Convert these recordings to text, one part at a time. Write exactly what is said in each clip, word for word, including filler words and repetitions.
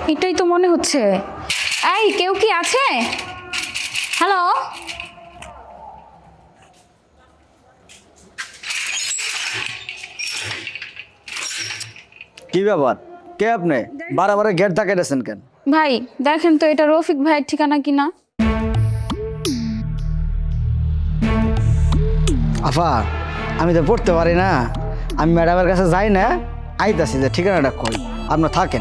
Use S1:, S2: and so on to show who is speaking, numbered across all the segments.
S1: এটাই তো মনে হচ্ছে। এই কেউ কি আছে? হ্যালো,
S2: কি ব্যাপার? কে আপনি? বারবার গেট ধাক্কা দিয়েছেন কেন?
S1: ভাই দেখেন তো এটা রফিক ভাইয়ের ঠিকানা কিনা।
S2: আফা, আমি তো পড়তে পারি না, আমি ম্যাডামের কাছে যাই না, আইতাছি যে ঠিকানাটা কই, আপনার থাকেন।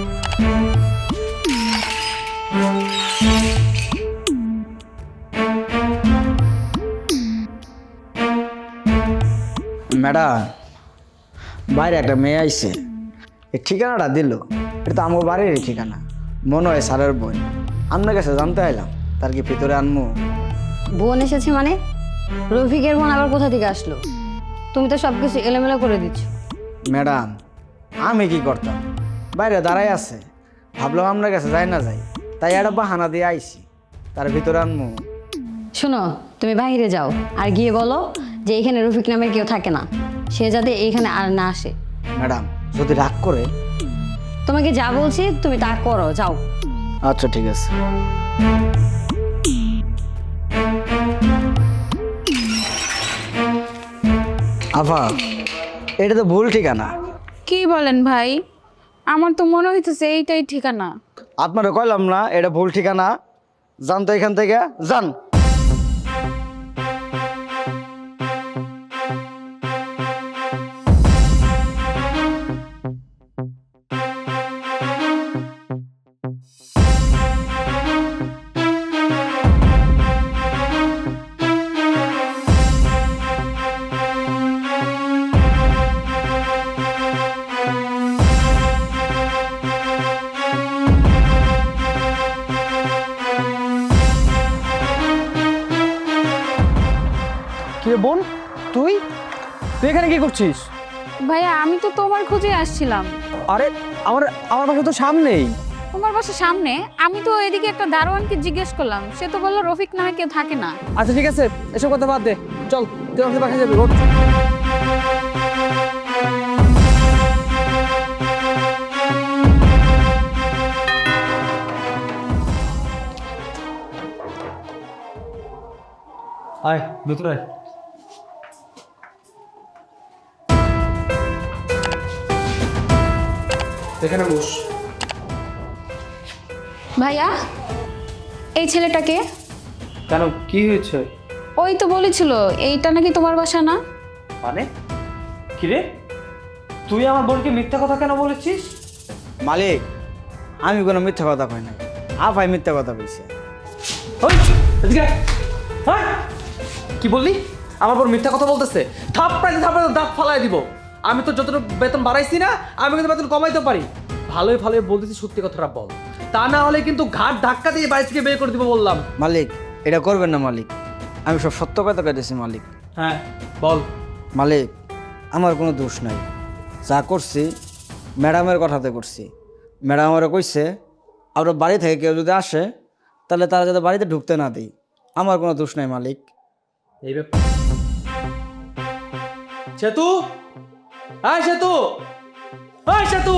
S2: ম্যাডাম, বাইরে একটা মেয়ে আইছে, এই ঠিকানাটা দিল। এটা তো আমার বাড়ির ঠিকানা, মনে হয় স্যারের বই। আপনার কাছে জানতে এলাম, তার কি ভিতরে আনমু?
S3: বোন এসেছে মানে? রফিকের বোন আবার কোথা থেকে আসলো? তুমি তো সব কিছু এলোমেলো করে দিচ্ছ।
S2: ম্যাডাম, আমি কি করতাম, বাইরে দাঁড়াই আছে, ভাবলাম আপনার কাছে যাই না যাই, তাই একটা বাহানা দিয়ে আইছি, তার ভিতরে আনমু।
S3: শোনো, তুমি বাইরে যাও আর গিয়ে বলো যে এখানে রফিক নামের কেউ থাকে না, সে যাতে এইখানে আর না আসে।
S2: ম্যাডাম, যদি রাগ করে?
S3: তোমাকে যা বলছি তুমি তা করো, যাও।
S2: আচ্ছা ঠিক আছে। আফা, এটা তো ভুল ঠিকানা।
S1: কি বলেন ভাই? আমার তো মনে হইতেছে এইটাই ঠিকানা।
S2: আপনারা কইলাম না এটা ভুল ঠিকানা? যান তো এখান থেকে, যান।
S4: কি রে বোন, তুই তুই এখানে কি করছিস?
S1: ভাইয়া আমি তো তোমার খোঁজে আসছিলাম।
S4: আরে আমার আমার বাসা তো সামনেই।
S1: তোমার বাসার সামনে? আমি তো এদিকে একটা দারোয়ানকে জিজ্ঞেস করলাম, সে তো বললো রফিক নামে কেউ থাকে না।
S4: আচ্ছা ঠিক আছে, এসব কথা বাদ দে, চল তুই আমাকে বাসায় যাবি। ওঠ। আয় ভিতরে আয়। এখানে বস।
S1: ভাইয়া, এই ছেলেটাকে?
S4: কেন, কি হয়েছে?
S1: ওই তো বলেছিল এইটা নাকি তোমার বাসা না।
S4: মানে কি রে, তুই আমার বোনকে মিথ্যা কথা কেন বলেছিস?
S2: মালিক, আমি কোনো মিথ্যা কথা কই নাই, আফাই মিথ্যা কথা কইছে।
S4: ওই, এদিকে আয়। ওই, কি বললি? আমার বোন মিথ্যা কথা বলতেছে? থাপ্পড়াইতে থাপ্পড়াইতে দাঁত ফালাই দিব। আমি তো যতটুকু বেতন বাড়াইছি না, আমি কিন্তু বেতন কমাইতে পারি। ভালোই ভালোই বলতেছি, সত্যি কথাটা বল, তা না হলে কিন্তু ঘাট ধাক্কা দিয়ে বাড়ি থেকে বের করে দিব বললাম।
S2: মালিক, এটা করবেন না মালিক, আমি সব সত্য কথা কইতেছি মালিক।
S4: হ্যাঁ বল।
S2: মালিক, আমার কোনো দোষ নাই, যা করছি ম্যাডামের কথাতে করছি। ম্যাডাম আমারে কইছে আমরা বাড়ি থেকে কেউ যদি আসে তাহলে তারা যাতে বাড়িতে ঢুকতে না দিই। আমার কোনো দোষ নাই মালিক।
S4: এই ব্যাপার। সেতু, হ্যাঁ সেতু, হ্যাঁ সেতু।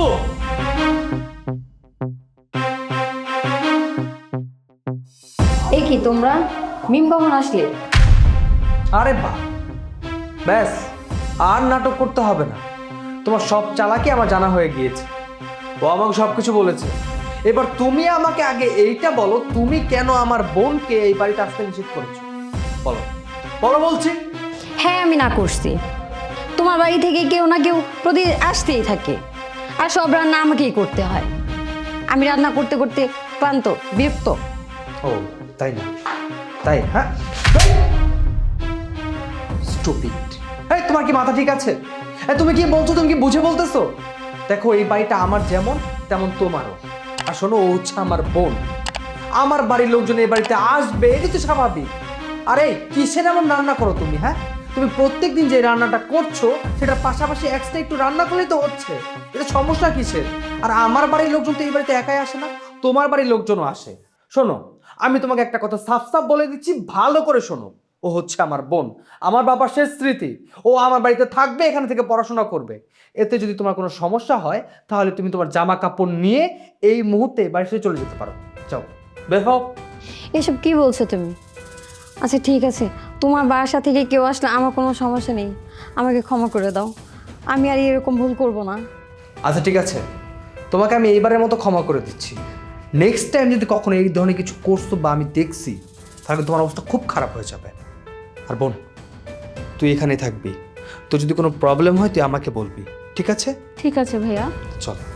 S3: এই কি তোমরা, মিম কখন আসলে?
S4: আরে বাহ, ব্যাস আর নাটক করতে হবে না, তোমার সব চালাকি আমার জানা হয়ে গিয়েছে। ও আমাকে সব কিছু বলেছে। এবার তুমি আমাকে আগে এইটা বলো, তুমি কেন আমার বোনকে এই বাড়িতে আসতে নিষেধ করেছো? বলো বলো বলছি।
S3: হ্যাঁ আমি না করছি, তোমার বাড়ি থেকে কেউ না কেউ প্রতিদিন আসতেই থাকে, আর সব রান্না আমাকেই করতে হয়। আমি রান্না করতে করতে ক্লান্ত, বিরক্ত।
S4: ও তাই না? তাই? হ্যাঁ, স্টুপিড। এই তোমার কি মাথা ঠিক আছে? এই তুমি কি বলছো, তুমি কি বুঝে বলতেছো? দেখো এই বাড়িটা আমার যেমন তেমন তোমারও। আর শোনো, ও হচ্ছে আমার বোন, আমার বাড়ির লোকজন এই বাড়িতে আসবে, এটা তো স্বাভাবিক। আরে কিসের এমন রান্না করো তুমি? হ্যাঁ, তুমি প্রত্যেক দিন যে রান্নাটা করছো সেটার পাশাপাশি এক্সট্রা একটু রান্না করলেই তো হচ্ছে, এটা সমস্যা কিসের? আর আমার বাড়ির লোকজন তো এই বাড়িতে একাই আসে না, তোমার বাড়ির লোকজনও আসে। শোনো, আমি তোমাকে একটা কথা সাফ সাফ বলে দিচ্ছি, ভালো করে শোনো। ও হচ্ছে আমার বোন, আমার বাবার শেষ স্মৃতি। ও আমার বাড়িতে থাকবে, এখান থেকে পড়াশোনা করবে। এতে যদি তোমার কোনো সমস্যা হয় তাহলে তুমি তোমার জামা কাপড় নিয়ে এই মুহূর্তে বাড়ি থেকে চলে যেতে পারো। যাও, বের হও।
S3: এসব কি বলছো তুমি? আচ্ছা ঠিক আছে, তোমার বাসা থেকে কেউ আসলে আমার কোনো সমস্যা নেই, আমাকে ক্ষমা করে দাও, আমি আর এরকম ভুল করব না।
S4: আচ্ছা ঠিক আছে, তোমাকে আমি এইবারের মতো ক্ষমা করে দিচ্ছি। নেক্সট টাইম যদি কখনো এই ধরনের কিছু করছো বা আমি দেখছি, তাহলে তোমার অবস্থা খুব খারাপ হয়ে যাবে। আর বোন, তুই এখানেই থাকবি। তো যদি কোনো প্রবলেম হয় তুই আমাকে বলবি, ঠিক আছে?
S1: ঠিক আছে ভাইয়া।
S4: চল।